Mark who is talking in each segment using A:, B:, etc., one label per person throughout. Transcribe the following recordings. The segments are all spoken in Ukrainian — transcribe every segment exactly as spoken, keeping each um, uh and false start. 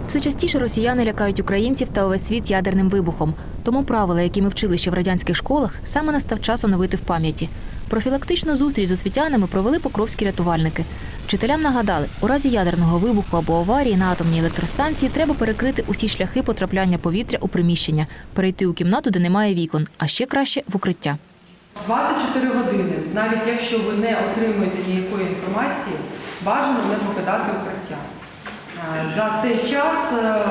A: Все частіше росіяни лякають українців та увесь світ ядерним вибухом. Тому правила, які ми вчили ще в радянських школах, саме настав час оновити в пам'яті. Профілактичну зустріч з освітянами провели покровські рятувальники. Вчителям нагадали, у разі ядерного вибуху або аварії на атомній електростанції треба перекрити усі шляхи потрапляння повітря у приміщення, перейти у кімнату, де немає вікон, а ще краще – в укриття.
B: двадцять чотири години, навіть якщо ви не отримуєте ніякої інформації, бажано не покидати укриття. За цей час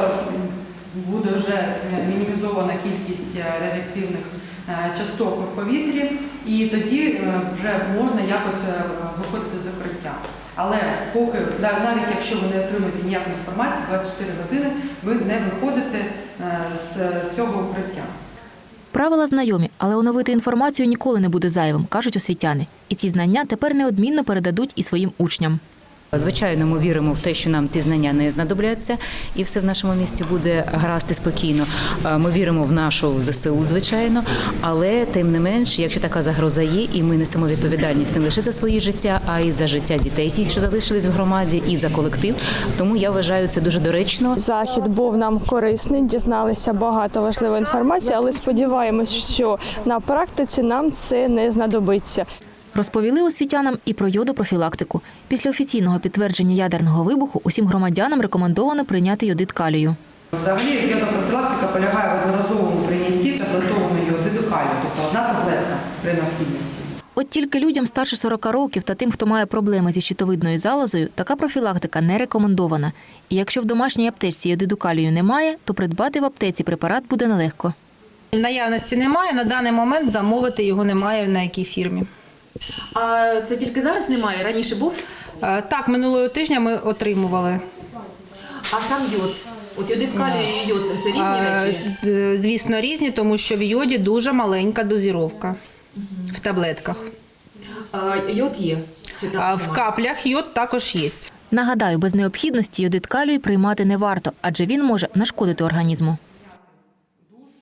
B: буде вже мінімізована кількість радіоактивних часток в повітрі, і тоді вже можна якось виходити з укриття. Але поки, навіть якщо ви не отримуєте ніякої інформації, двадцять чотири години ви не виходите з цього укриття.
A: Правила знайомі, але оновити інформацію ніколи не буде зайвим, кажуть освітяни. І ці знання тепер неодмінно передадуть і своїм учням.
C: Звичайно, ми віримо в те, що нам ці знання не знадобляться, і все в нашому місті буде гаразд і спокійно. Ми віримо в нашу ЗСУ, звичайно, але тим не менш, якщо така загроза є, і ми несемо відповідальність не лише за свої життя, а й за життя дітей, ті, що залишились в громаді, і за колектив. Тому я вважаю це дуже доречно.
D: Захід був нам корисний, дізналися багато важливої інформації, але сподіваємось, що на практиці нам це не знадобиться.
A: Розповіли освітянам і про йодопрофілактику. Після офіційного підтвердження ядерного вибуху усім громадянам рекомендовано прийняти йодид калію.
B: Взагалі йодопрофілактика полягає в одноразовому прийнятті таблетованої йодиду калію, тобто одна таблетка при необхідності.
A: От тільки людям старше сорока років та тим, хто має проблеми зі щитовидною залозою, така профілактика не рекомендована. І якщо в домашній аптечці йодиду калію немає, то придбати в аптеці препарат буде нелегко.
E: Наявності немає, на даний момент замовити його немає на якій фірмі.
F: А це тільки зараз немає? Раніше був?
E: Так, минулого тижня ми отримували.
F: А сам йод? От йодид калію і йод – це різні речі?
E: Звісно, різні, тому що в йоді дуже маленька дозіровка в таблетках.
F: А йод є? Чи
E: А в каплях йод також є.
A: Нагадаю, без необхідності йодид калію приймати не варто, адже він може нашкодити організму.